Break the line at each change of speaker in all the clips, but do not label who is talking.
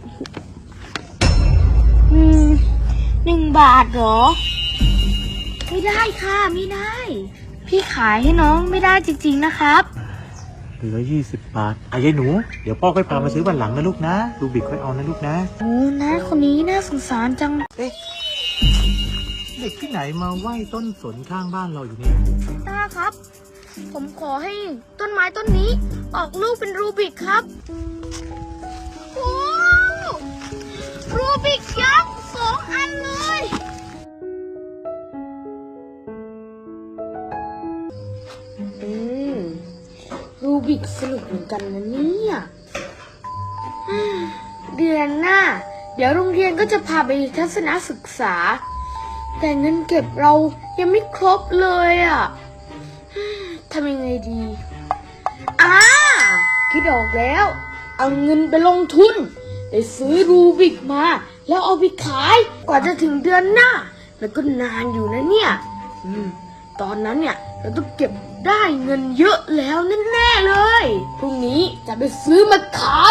1 บาทเหรอไม่ได้ค่ะไม่ได้พี่ขายให้น้องไม่ได้จริงๆนะครับ
เหลือ20 บาทยายหนูเดี๋ยวพ่อค่อยพามาซื้อวันหลังนะลูกนะลูกบิกค่อยเอานะลูกนะ
โอ้นะคนนี้น่าสงสารจัง
เด็กที่ไหนมาไหว้ต้นสนข้างบ้านเราอยู่เนี่ย
ตาครับผมขอให้ต้นไม้ต้นนี้ออกลูกเป็นรูบิกครับโอ้รูบิกยักษ์2 อันเลยรูบิกสนุกเหมือนกันนะเนี่ยเดือนหน้าเดี๋ยวโรงเรียนก็จะพาไปทัศนศึกษาแต่เงินเก็บเรายังไม่ครบเลยทำยังไงดีคิดออกแล้วเอาเงินไปลงทุนไปซื้อรูบิกมาแล้วเอาไปขายกว่าจะถึงเดือนหน้าแล้วก็นานอยู่นะเนี่ยตอนนั้นเนี่ยเราต้องเก็บได้เงินเยอะแล้วแน่ๆเลยพรุ่งนี้จะไปซื้อมาขาย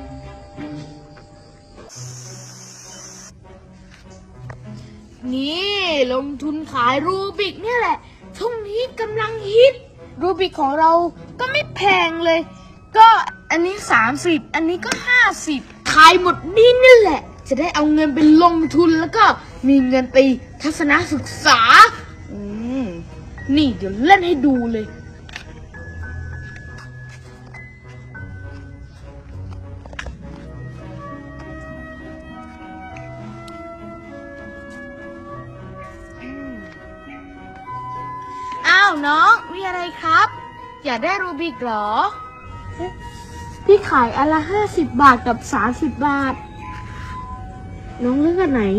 นี่ลงทุนขายรูบิกเนี่ยแหละช่วงนี้กำลังฮิตรูบิกของเราก็ไม่แพงเลยก็อันนี้30อันนี้ก็50ขายหมดนี่แหละจะได้เอาเงินไปลงทุนแล้วก็มีเงินไปทัศนศึกษานี่เดี๋ยวเล่นให้ดูเลยอ้าวน้องมีอะไรครับอยากได้รูบิกเหรอพี่ขายอันละ50 บาทกับ30 บาทน้องเลือกอันไหน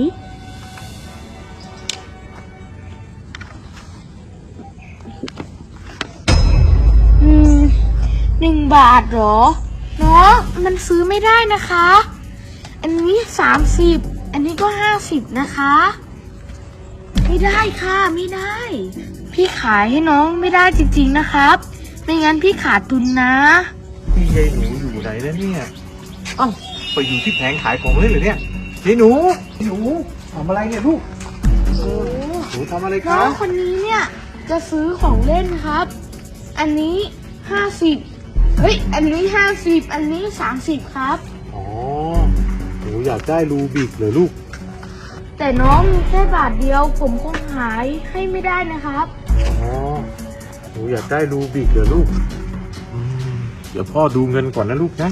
1 บาทเหรอน้องมันซื้อไม่ได้นะคะอันนี้30อันนี้ก็50นะคะไม่ได้ค่ะไม่ได้พี่ขายให้น้องไม่ได้จริงๆนะครับไม่งั้นพี่ขาดทุนนะ
พี่ยายหนูอยู่ไหนแล้วเนี่ยไปอยู่ที่แผงขายของเล่นเหรอเนี่ยยายหนูทำอะไรเนี่ยลูกหนูทำอะไรครับ
น้องคนนี้เนี่ยจะซื้อของเล่นครับอันนี้50อันนี้50อันนี้30ครับ
หนูอยากได้รูบิกเหรอลูก
แต่น้องมีแค่บาทเดียวผมคงหายให้ไม่ได้นะครับ
หนูอยากได้รูบิกเหรอลูกเดี๋ยวพ่อดูเงินก่อนนะลูกนะ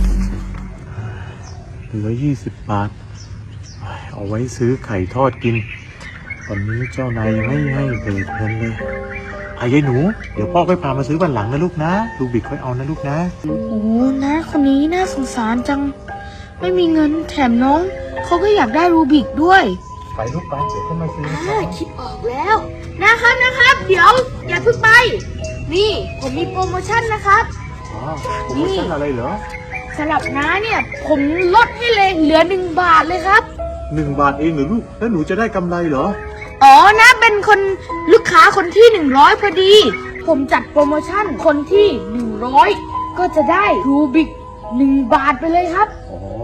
เหลือ20 บาทเอาไว้ซื้อไข่ทอดกินตอนนี้เจ้านายยังไม่ให้เบิกเงินเลยยายหนูเดี๋ยวพ่อค่อยพามาซื้อวันหลังนะลูกนะรูบิกค่อยเอานะลูกนะ
โอ้นะคนนี้น่าสงสารจังไม่มีเงินแถมน้องเขาก็อยากได้รูบิกด้วย
ไปลูกไปเดี๋ยวก็มาซื้อ
คิดออกแล้วนะครับเดี๋ยวอย่าเพิ่งไปนี่ผมมีโปรโมชั่นนะครับ
โปรโมชั่นอะไรเหรอ
สำหรับน้าเนี่ยผมลดให้เลยเหลือ1 บาทเลยครับ
1 บาทเองเหรอลูกแล้วหนูจะได้กำไรเหรอ
นะเป็นคนลูกค้าคนที่100พอดีผมจัดโปรโมชั่นคนที่100ก็จะได้รูบิก1 บาทไปเลยครับ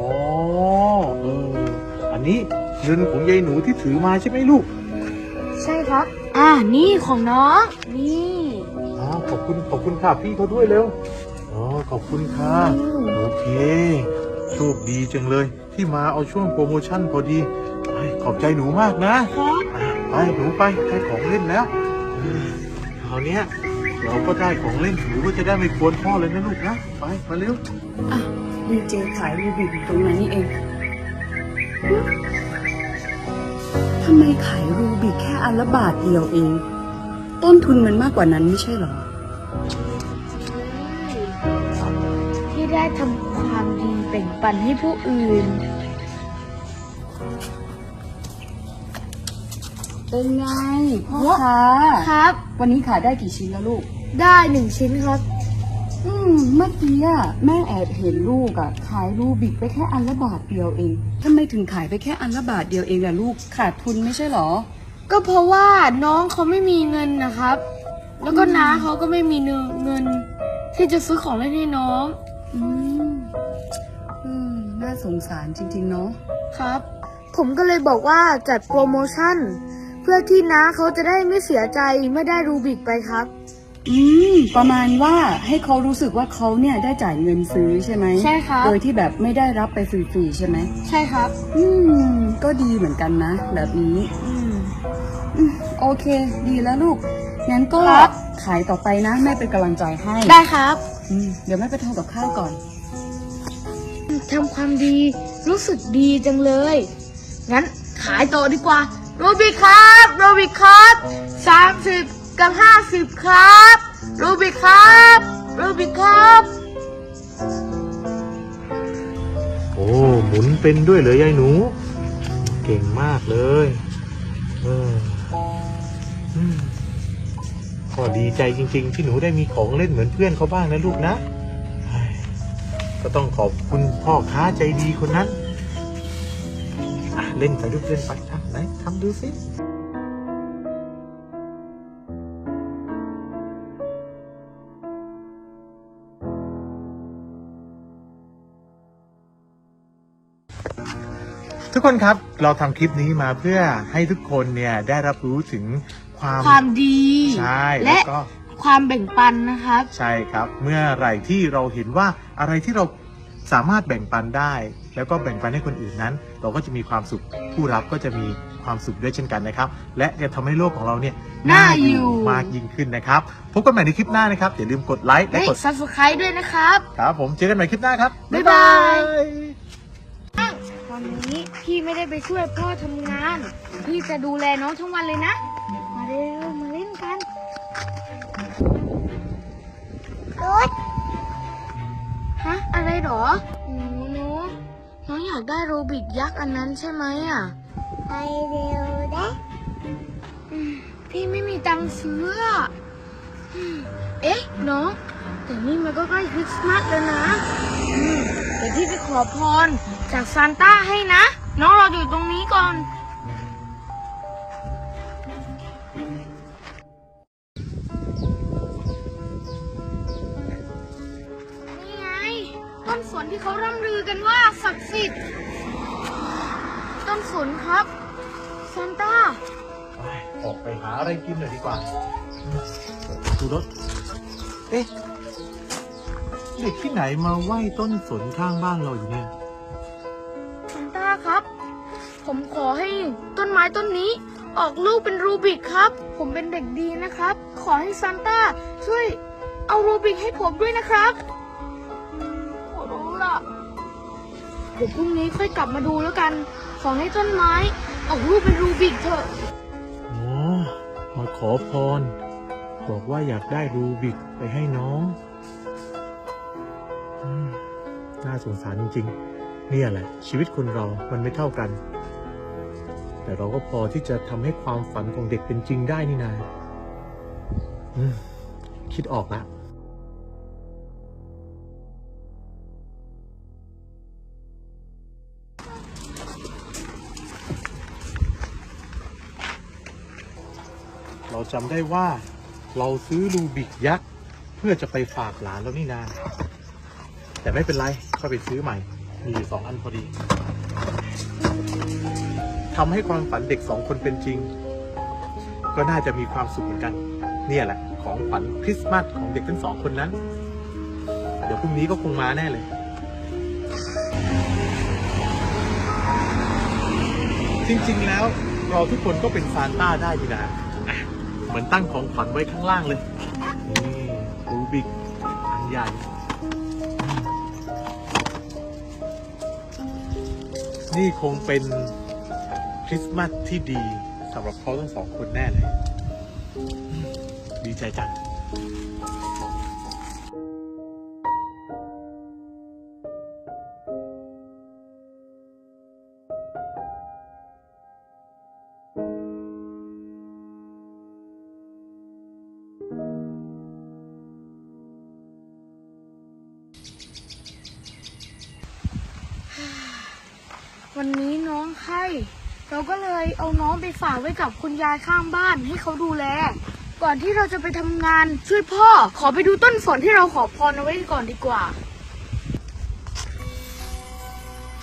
อันนี้เงินของยายหนูที่ถือมาใช่ไหมลูก
ใช่ครับนี่ของน้องนี่
ขอบคุณค่ะพี่เขาด้วยเร็วขอบคุณค่ะโอเคโชคดีจังเลยที่มาเอาช่วงโปรโมชั่นพอดีขอบใจหนูมากนะไปหนูไปได้ของเล่นแล้วคราวนี้เราก็ได้ของเล่นหนูก็จะได้ไม่กวนพ่อเลยนะลูกนะไปมาเร็ว
ดีเจขายรูบิกตรงนั้นนี่เองทำไมขายรูบิกแค่อันละบาทเดียวเองต้นทุนมันมากกว่านั้นไม่ใช่หรอ
ที่ได้ทำความดีแบ่งปันให้ผู้อื่น
เป็นไงพ่อค้า
ครับ
วันนี้ขายได้กี่ชิ้นแล้วลูก
ได้1 ชิ้นครับ
เมื่อกี้แม่แอบเห็นลูกขายรูบิกไปแค่อันละบาทเดียวเองทำไมถึงขายไปแค่อันละบาทเดียวเองล่ะลูกขาดทุนไม่ใช่หรอ
ก็เพราะว่าน้องเขาไม่มีเงินนะครับแล้วก็น้าเขาก็ไม่มีเงินที่จะซื้อของเล่นให้น้อง
น่าสงสารจริงๆเนาะ
ครับ ผมก็เลยบอกว่าจัดโปรโมชั่น เพื่อที่น้าเขาจะได้ไม่เสียใจไม่ได้รูบิกไปครับ
ประมาณว่าให้เขารู้สึกว่าเขาเนี่ยได้จ่ายเงินซื้อใช่ไหม
ใช่ครับ
โดยที่แบบไม่ได้รับไปฟรีๆใช่ไหม
ใช่ครับ
ก็ดีเหมือนกันนะ แบบนี้
อืม
โอเค ดีแล้วลูก งั้นก็
ครับ
ขายต่อไปนะแม่เป็นกำลังใจให้
ได้ครับ
เดี๋ยวแม่ไปทำกับข้าวก่อน
ทำความดีรู้สึกดีจังเลย งั้นขายต่อดีกว่าโรบิกครับโรบิกครับ30 กับ 50 ครับโรบิกครับโรบิกครับ
โอ้หมุนเป็นด้วยเลยยายหนู เก่งมากเลยก็ดีใจจริงๆ ที่หนูได้มีของเล่นเหมือนเพื่อนเขาบ้างนะลูกนะเฮ้ยก็ต้องขอบคุณพ่อค้าใจดีคนนั้นเล่นไปลูกเล่นไปทำไหนทำดูสิทุกคนครับเราทำคลิปนี้มาเพื่อให้ทุกคนเนี่ยได้รับรู้ถึง
ความดี
ใช่
และ
ก็
ความแบ่งปันนะครับ
ใช่ครับเมื่อไหร่ที่เราเห็นว่าอะไรที่เราสามารถแบ่งปันได้ แล้วก็แบ่งปันให้คนอื่นนั้น เราก็จะมีความสุขผู้รับก็จะมีความสุขด้วยเช่นกันนะครับและจะทำให้โลกของเราเนี่ย
น่าอยู่
มากยิ่งขึ้นนะครับพบกันใหม่ในคลิปหน้านะครับอย่าลืมกดไลค์และ
และ
กด
Subscribe ด้วยนะครับ
ครับผมเจอกันใหม่คลิปหน้าครับ
บ๊ายบาย วันนี้พี่ไม่ได้ไปช่วยพ่อทำงาน พี่จะดูแลน้องทั้งวันเลยนะ มาเร็วมาเล่นกันฮะอะไรหรอหนูน้องอยากได้โรบิกยักษ์อันนั้นใช่ไหมอ่ะไปเร็วนะพี่ไม่มีตังค์ซื้ออะเอ๊ะน้องแต่นี่มันก็ใกล้คริสต์มาสแล้วนะเดี๋ยวพี่ไปขอพรจากซานต้าให้นะ น้องรออยู่ตรงนี้ก่อนนี่ไงต้นสนที่เขาร่ำลือกันว่าศักดิ์สิทธิ์ต้นสนครับซานต้า
ออกไปหาอะไรกินหน่อยดีกว่าดูรถเอ๊ะเด็กที่ไหนมาไหว้ต้นสนข้างบ้านเราอยู่เนี่ย
ซานต้าครับ ผมขอให้ต้นไม้ต้นนี้ออกลูกเป็นรูบิกครับ ผมเป็นเด็กดีนะครับ ขอให้ซานต้าช่วยเอารูบิกให้ผมด้วยนะครับขอร้องล่ะเดี๋ยวพรุ่งนี้ค่อยกลับมาดูแล้วกัน ขอให้ต้นไม้ออกลูกเป็นรูบิกเถอะ
อ๋อมาขอพรบอกว่าอยากได้รูบิกไปให้น้องน่าสงสารจริงๆเนี่ยแหละชีวิตคนเรามันไม่เท่ากัน แต่เราก็พอที่จะทำให้ความฝันของเด็กเป็นจริงได้นี่นาคิดออกแล้วเราจำได้ว่าเราซื้อรูบิกยักษ์เพื่อจะไปฝากหลานแล้วนี่นาแต่ไม่เป็นไรก็ไปซื้อใหม่มีอยู่2 อันพอดีทำให้ความฝันเด็ก2 คนเป็นจริงก็น่าจะมีความสุขเหมือนกันเนี่ยแหละของฝันคริสต์มาสของเด็กทั้ง2 คนนั้นเดี๋ยวพรุ่งนี้ก็คงมาแน่เลยจริงๆแล้วเราทุกคนก็เป็นซานต้าได้ดีนะเหมือนตั้งของขวัญไว้ข้างล่างเลยนี่รูบิกอันใหญ่นี่คงเป็นคริสต์มาสที่ดีสำหรับเขาทั้ง2 คนแน่เลยดีใจจัง
วันนี้น้องไข้เราก็เลยเอาน้องไปฝากไว้กับคุณยายข้างบ้านให้เขาดูแล ก่อนที่เราจะไปทำงานช่วยพ่อขอไปดูต้นฝนที่เราขอพรเอาไว้ก่อนดีกว่า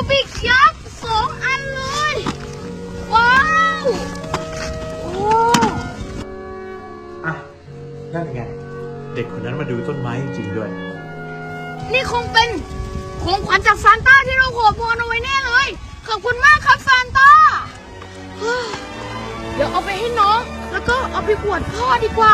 บิกยักษ์2 อันเลย ว้าวโอ้
อ่ะนั่นไง เด็กคนนั้นมาดูต้นไม้จริงๆด้วย
นี่คงเป็นของขวัญจากซานต้าที่เราขอพรเอาไว้แน่เลย ขอบคุณมากครับซานต้าเฮ้ยเดี๋ยวเอาไปให้น้อง แล้วก็เอาไปอวดพ่อดีกว่า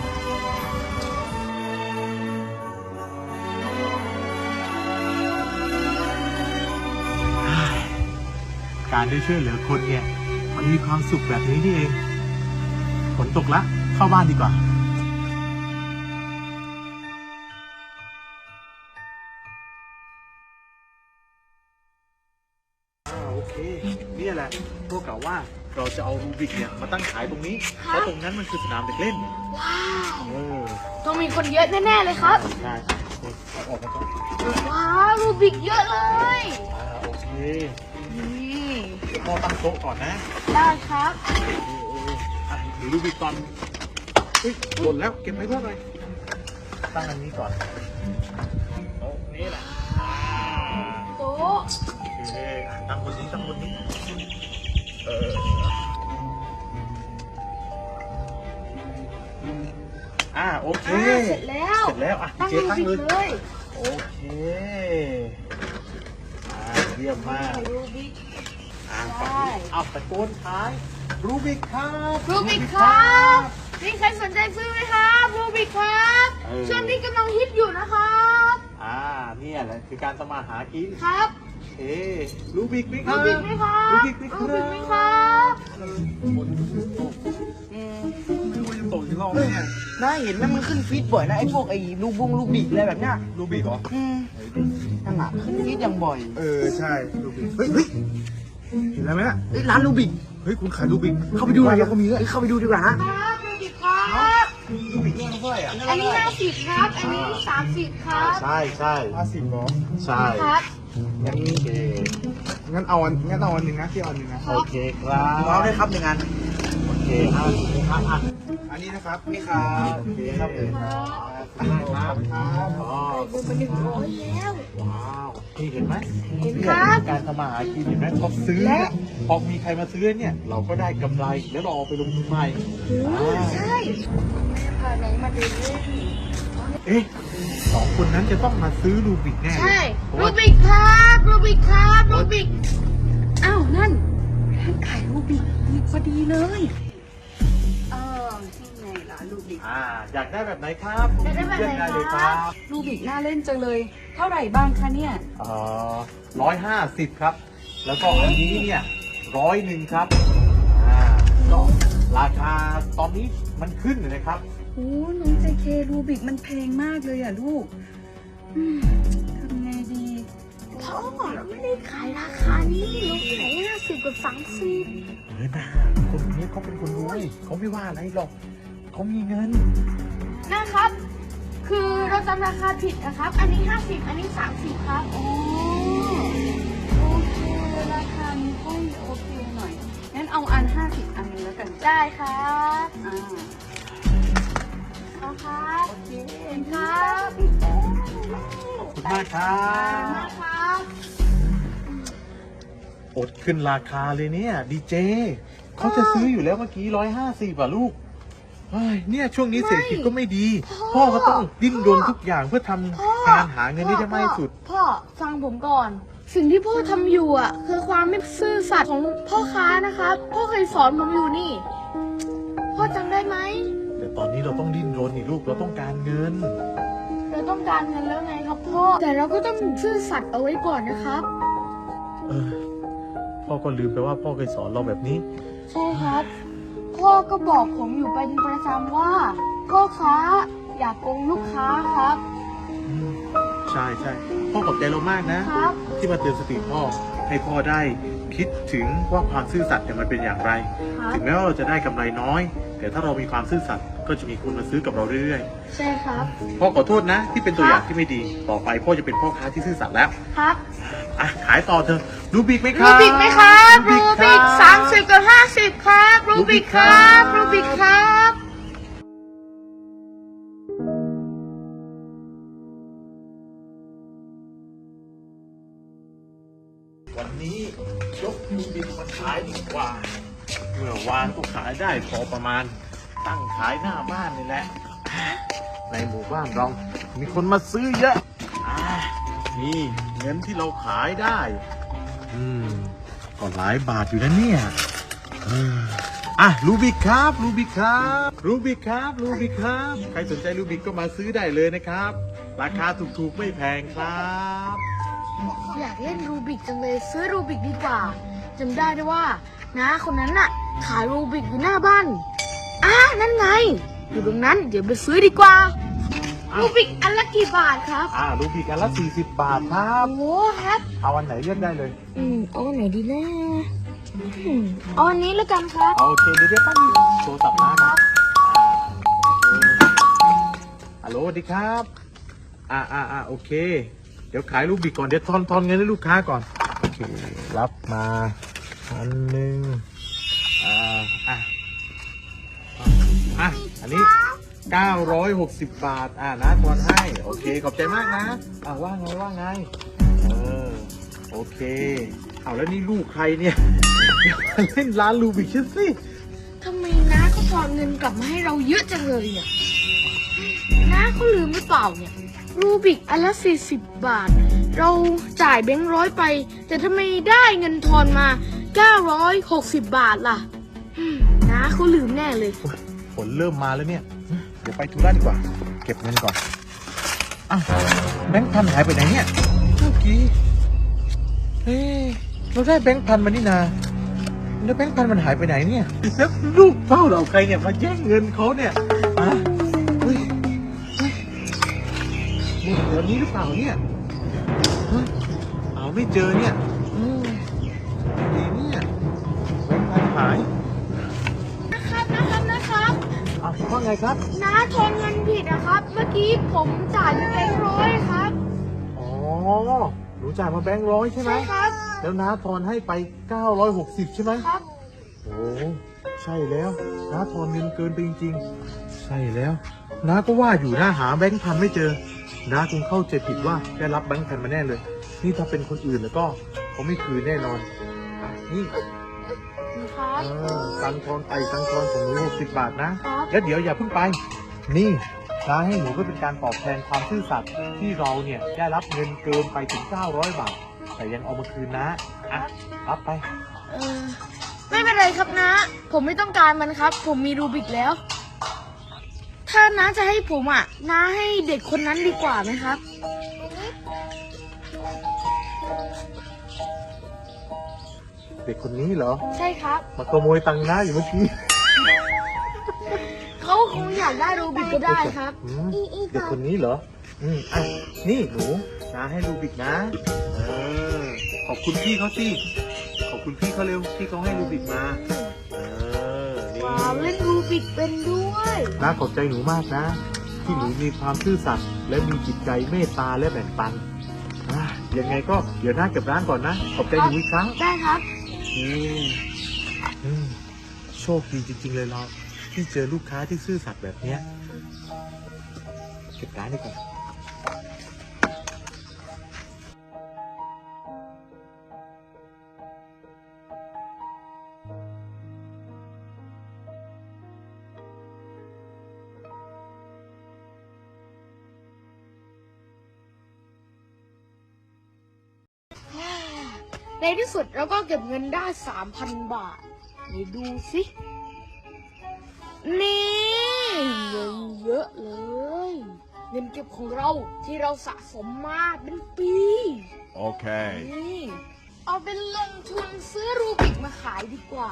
การได้ช่วยเหลือคนเนี่ยมันมีความสุขแบบนี้นี่เองฝนตกละเข้าบ้านดีกว่าโอเคเนี่ยแหละพวกกล่าวว่าเราจะเอารูบิกเนี่ยมาตั้งขายตรงนี้เพราะตรงนั้นมันคือสนามเด็กเล่น
ว้าว
เออ
ต้องมีคนเยอะแน่ๆเลยครับ
ใช่เอาออกมาก่อน
ว้าวรูบิกเยอะเลย
โอเค
นี่
เดี๋ยวพ่อตั้งโต๊ะก่อนนะ
ได้ครับ
อ่ะถือรูบิกก่อนเฮ้ยหล่นแล้วเก็บไว้เพื่ออะไรตั้งอันนี้ก่อนโต๊ะนี้แหละ
โต๊ะ
โอเคตั้งบนนี้ตั้งบนนี้โอเค
เสร็จแล้ว
เสร็จแล้วอ่ะ
ตั้ง
เจ๊
รู
ตั้ง
บิก
เลย
เลย
โอเคเยี่ยมมาก
รูบิก
ฝั่งนี้เอาตะโกนท้ายรูบิกครับ
รูบิกครับมีใครสนใจซื้อไหมครับรูบิกครับ
เออ
ช่วงนี้กำลังฮิตอยู่นะครับ
เนี่ยแหละคือการทำมาหากิน
ครับ
เอ๊รูบิกไหมค
รู
รับ
บิกไหมครับ
รูบิกไหมค
รู
รั
บิกไหม
บ
ครับ
ไม่รู้ว่าจะตกกี่รอบเนี่ย
น่าเห็นไหมมันขึ้นฟีดบ่อยนะไอ้พวกไอ้ลูกบิกอะไรแบบเนี้ย
รูบิกเหรอ
นั่นอ่ะขึ้นฟีดอย่างบ่อย
ใช่รูบิกเฮ้ยเห็นแล้วไหมน่ะ
เอ้ยร้านลูกบิก
เฮ้ยคุณขายรูบิก
เข้าไปดูหน่อย
แล้วก็มีด้วย
เอ้ยเข้าไปดูดีกว่าฮะ
ครับรูบิกครับ
รูบิกเนี่ยเท่าไหร่อ่ะ
อันนี้50ครับ อันนี้30ครับ
ใช่50เหรอใช่
ครับ
งั้นโอเคงั้นเอาอันหนึ่งนะที่เอาอันหนึ่งนะโอเคครับ
เอาได้ครับหนึ่งอัน
โอเคครับ
อันนี้นะครับนี่ครับ
โอเคครับครับอ๋อ
ดูไป100แล้ว
ว้าวนี่เห็นไหม
เห็นครับ
การทำมาหากินเห็นไหมพอซื้อเนี่ยพอมีใครมาซื้อเนี่ยเราก็ได้กำไรแล้วเราเอาไปลงทุนใหม่
ใช่พาน้องมาดูด้วย
เอ๊ะสองคนนั้นจะต้องมาซื้อรูบิกแน่
ใช่
เพราะ
รู
ว่า
บิกครับรูบิกครับรูบิก
อ้าวนั่นร้านขายรูบิกนี่พอดีเลยนี่ไงร้านรูบิก
อยากได้แบบไหนครับ
อยากได้แบบไหนครับ
เลือกด้เลยครับ
รูบิกน่าเล่นจังเลย เท่าไหร่บ้างคะเนี่ย
150ครับ แล้วก็อันนี้เนี่ย101ครับก็ราคาตอนนี้มันขึ้นเลยนะครับ
โอ้น้องเจเครูบิกมันแพงมากเลยอ่ะลูกทำไงดี
พ่อเราไม่ได้ขายราคานี้เราขาย50กับ30
นะคนนี้เขาเป็นคนรวยเขาไม่ว่าอะไรหรอกเขามีเงิน
นะครับ คือเราจำราคาผิดนะครับ อันนี้50อันนี้30ครับ
โอเคราคานี้ก็โอเคหน่อย งั้นเอาอัน 50 อันนึงแล้วกัน
ได้ครับ
อ่า
เอาครับโอเคครับ
ขอบคุณมากครั
มา
บ
ครับ
อดขึ้นราคาเลยเนี่ยดีเจเขาจะซื้ออยู่แล้วเมื่อกี้150อ่ะลูกเฮ้ยเนี่ยช่วงนี้เศรษฐกิจก็ไม่ดี พ่อก็ต้องดิ้นรนทุกอย่างเพื่อทำงานหาเงินให้ได้มากที่สุด
พ่อฟังผมก่อน สิ่งที่พ่อทำอยู่อ่ะ คือความไม่ซื่อสัตย์ของพ่อค้านะครับพ่อเคยสอนผมอยู่นี่ พ่อจำได้ไหม
แต่ตอนนี้เราต้องดิ้นรนนี่ลูกเราต้องการเงิน
เราต้องการเงินแล้วไงครับพ่อ แต่เราก็ต้องซื่อสัตย์เอาไว้ก่อนนะครับ
เออพ่อก็ลืมไปว่าพ่อเคยสอนเราแบบนี้
ใช่ครับ พ่อก็บอกผมอยู่เป็นประจำว่าพ่อค้าอย่ากโกงลูกค้าครับ
ใช่พ่อขอบใจเรามากนะ
ครับ
ที่มาเตือนสติพ่อให้พ่อได้คิดถึงว่าความซื่อสัตย์เนี่ยมันเป็นอย่างไร
ครับ
ถึงแม้ว่าเราจะได้กำไรน้อย แต่ถ้าเรามีความซื่อสัตย์ก็จะมีคนมาซื้อกับเราเรื่อย
ใช่ครับ
ๆพ่อขอโทษนะ ที่เป็นตัวอย่างที่ไม่ดี ต่อไปพ่อจะเป็นพ่อค้าที่ซื่อสัตย์แล้ว
ครับ
ขายต่อเถอะรูบิกไหมค
รู
รับ
บิกไหมครับรูบิก
ครั
30กับ50ครับรูบิกครับรูบิกครับ
อวันนี้ยกรูบิกมาขายดีกว่า เมื่อวานก็ขายได้พอประมาณ ตั้งขายหน้าบ้านนี่แหละ ในหมู่บ้านเรามีคนมาซื้อเยอะนี่เงินที่เราขายได้ก็หลายบาทอยู่นะเนี่ยรูบิกครับรูบิกครับรูบิกครับรูบิกครับใครสนใจรูบิกก็มาซื้อได้เลยนะครับ ราคาถูกๆไม่แพงครับ
อยากเล่นรูบิกจังเลยซื้อรูบิกดีกว่าจำได้ด้วยว่าน้าคนนั้นน่ะขายรูบิกอยู่หน้าบ้านนั่นไงอยู่ตรงนั้นเดี๋ยวไปซื้อดีกว่ารูบิกอันละกี่บาทครับ
รูบิกอันละ40 บาทครับ
โอ้ครับ
เอาอันไหนเลือกได้เลย
เอาอันไหนดีนะเอาอันนี้แล้วกันครับ
โอเคเดี๋ยวปั้นโทรศัพท์นะฮัลโหลสวัสดีครับโอเคเดี๋ยวขายรูบิกก่อนเดี๋ยวทอนเงินให้ลูกค้าก่อนโอเครับมาอันหนึ่งอันนี้960 บาทนะทอนให้โอเคขอบใจมากนะว่าไงโอเคเอาแล้วนี่ลูกใครเนี่ยเล่นร้านรูบิกชิ้นสิ
ทำไมน้าเขาทอนเงินกลับมาให้เราเยอะจังเลยเนี่ยน้าเขาลืมหรือเปล่าเนี่ยรูบิกอันละ40 บาทเราจ่ายแบงค์ร้อยไปแต่ทำไมได้เงินทอนมา960 บาทล่ะน้าเขาลืมแน่เลย
ฝนเริ่มมาแล้วเนี่ยเดี๋ยวไปธุระดีกว่าเก็บเงินก่อนแบงค์พันหายไปไหนเนี่ยเมื่อกี้เราได้แบงค์พันมานี่นาแล้วแบงค์พันมันหายไปไหนเนี่ยแล้วลูกเฝ้าเราใครเนี่ยมาแย่งเงินเขาเนี่ยหมดแถวนี้หรือเปล่าเนี่ยไม่เจอเนี่ยดีเนี่ยแบงค์พันหาย
นะครับ
ว่าไงครับ
น้าทอนเงินผิดนะครับเมื่อกี้ผมจ่ายแบงค์ร้อยครับ
หนูจ่ายมาแบงค์ร้อยใช่ไหม
ใช่ครับ
แล้วน้าทอนให้ไป960ใช่ไหม
ครับ
ใช่แล้วน้าทอนเงินเกินไปจริงๆใช่แล้วน้าก็ว่าอยู่น้าหาแบงค์พันไม่เจอน้าคงเข้าใจผิดว่าได้รับแบงค์พันมาแน่เลยนี่ถ้าเป็นคนอื่นแล้วก็เขาไม่คืนแน่นอนนี่ตังทอนไปตังทอนของหนู60 บาทนะแล้วเดี๋ยวอย่าเพิ่งไปนี่น้าให้หนูก็เป็นการตอบแทนความซื่อสัตย์ที่เราเนี่ยได้รับเงินเกินไปถึง900 บาทแต่ยังเอามาคืนนะรับไป
ไม่เป็นไรครับนะผมไม่ต้องการมันครับผมมีรูบิกแล้วถ้าน้าจะให้ผมน้าให้เด็กคนนั้นดีกว่าไหมครับ
เด็กคนนี้เหรอ
ใช่ครับ
มาขโมยตังค์น้าอยู่เมื่อกี้
เขาคงอยากได้รูบิกก็ได้ครับ
เด็กคนนี้เหรอนี่หนูน้าให้รูบิกนะขอบคุณพี่เขาสิขอบคุณพี่เขาเร็วที่เขาให้รูบิกมา
ว้าวเล่นรูบิกเป็นด้วย
น้าขอบใจหนูมากนะที่หนูมีความซื่อสัตย์และมีจิตใจเมตตาและแบ่งปันยังไงก็เดี๋ยวน้าเก็บร้านก่อนนะขอบใจหนูอีกครั้ง
ได้ครับ
โชคดีจริงๆเลยเราที่เจอลูกค้าที่ซื่อสัตย์แบบนี้เก็บร้านดีกว่า
ในที่สุดเราก็เก็บเงินได้ 3,000 บาทไหนดูสินี่เงินเยอะเลยเงินเก็บของเราที่เราสะสมมาเป็นปี
โอเค
นี่เอาเป็นลงทุนซื้อรูบิกมาขายดีกว่า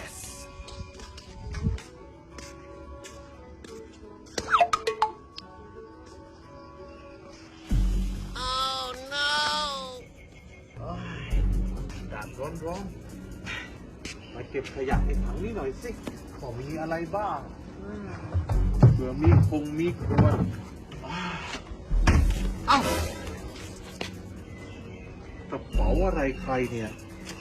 ร้อนมาเก็บขยะในถังนี้หน่อยสิขอมีอะไรบ้างเผื่อมีมีขวดกระเป๋าอะไรใครเนี่ย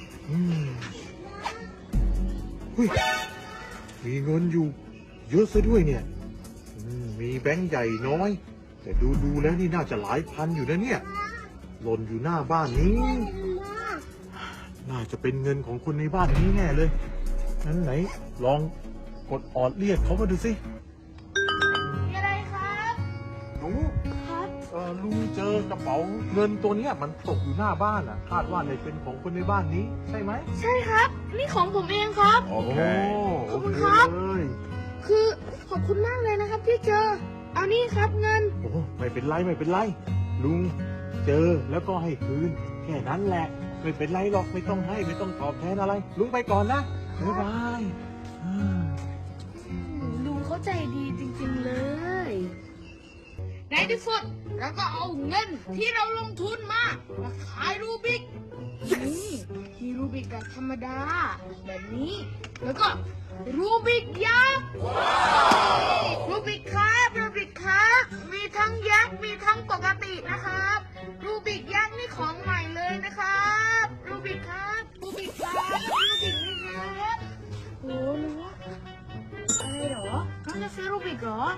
มีเงินอยู่เยอะซะด้วยเนี่ยมีแบงค์ใหญ่น้อยแต่ดูแล้วนี่น่าจะหลายพันอยู่นะเนี่ยหล่นอยู่หน้าบ้านนี้น่าจะเป็นเงินของคนในบ้านนี้แน่เลยงั้นไหนลองกดออดเรียกเขามาดูสิ
มีอะไรครับ
หนู
ครับ
ลุงเจอกระเป๋าเงินตัวเนี้ยมันตกอยู่หน้าบ้านอ่ะคาดว่าจะเป็นของคนในบ้านนี้ใช่ไหม
ใช่ครับ นี่ของผมเองครับ
โอเค
ขอบคุณครับ
เลย
คือขอบคุณมากเลยนะครับที่เจอ เอานี่ครับเงิน
โอ้ไม่เป็นไรไม่เป็นไร ลุงเจอแล้วก็ให้คืน แค่นั้นแหละ ไม่เป็นไรหรอกไม่ต้องให้ไม่ต้องตอบแทนอะไร ลุงไปก่อนนะบ๊ายบายอืม
ลุงเข้าใจดีจริงๆเลย ในที่สุดเราก็เอาเงินที่เราลงทุนมาขายรูบิกนี่มีรูบิกแบบธรรมดา แบบนี้ แล้วก็รูบิกยักษ์รูบิกครับรูบิกครับมีทั้งยักษ์มีทั้งปกตินะครับ รูบิกยักษ์นี่ของใหม่เลยนะครับรูบิกครับรูบิกครับรูบิกนี่ครับโอ้โหอะไรเหรอน้องจะซื้อรูบิกเหรอ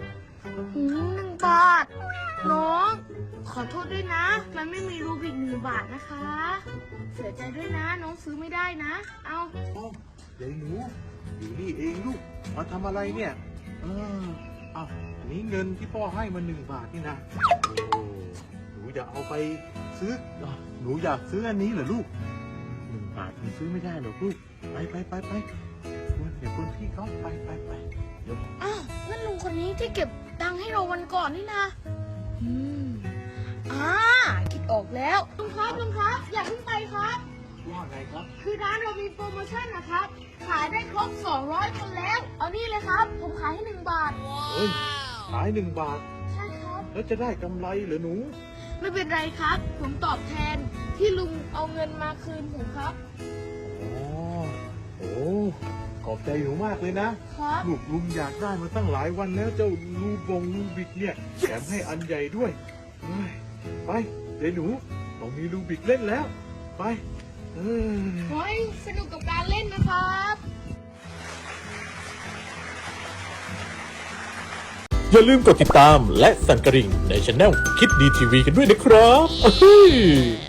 1 บาท น้อง ขอโทษด้วยนะ มันไม่มีรูบิก1 บาทนะคะ เสียใจด้วยนะ น้องซื้อไม่ได้นะ เอา
โอ้ยายหนูอยู่นี่เองลูกมาทำอะไรเนี่ยเอาอันนี้เงินที่พ่อให้มา1 บาทนี่นะโอ้หนูจะเอาไปซื้อหนูอยากซื้ออันนี้เหรอลูก1 บาทมันซื้อไม่ได้หรอกลูกไปเดี๋ยวคนพี่เขาไปเดี๋ยว
อ้าวนั่นลุงคนนี้ที่เก็บตังค์ให้เราวันก่อนนี่นะอืมคิดออกแล้วลุงครับ อย่าเพิ่งไปครับ
ว่าไงครับ
คือร้านเรามีโปรโมชั่นนะครับ ขายได้ครบ200 คนแล้ว เอานี่เลยครับ ผมขายให้1 บาท
เฮ้ยขาย1 บาท
ใช่ครับ
แล้วจะได้กำไรเหรอหนู
ไม่เป็นไรครับ ผมตอบแทนที่ลุงเอาเงินมาคืนผมครับ
อ๋อโอ้ขอบใจหนูมากเลยนะครับ ลูกลุงอยากได้มาตั้งหลายวันแล้วเจ้าลูบิกเนี่ยแถมให้อันใหญ่ด้วยเฮ้ยไปเดี๋ยวหนูต้องมีลูบิกเล่นแล้ว ไปเออ
ขอให้สนุกกับการเล่นนะครับ
อย่าลืมกดติดตามและสั่นกระดิ่งในช anel คิดดีทีวีกันด้วยนะครับ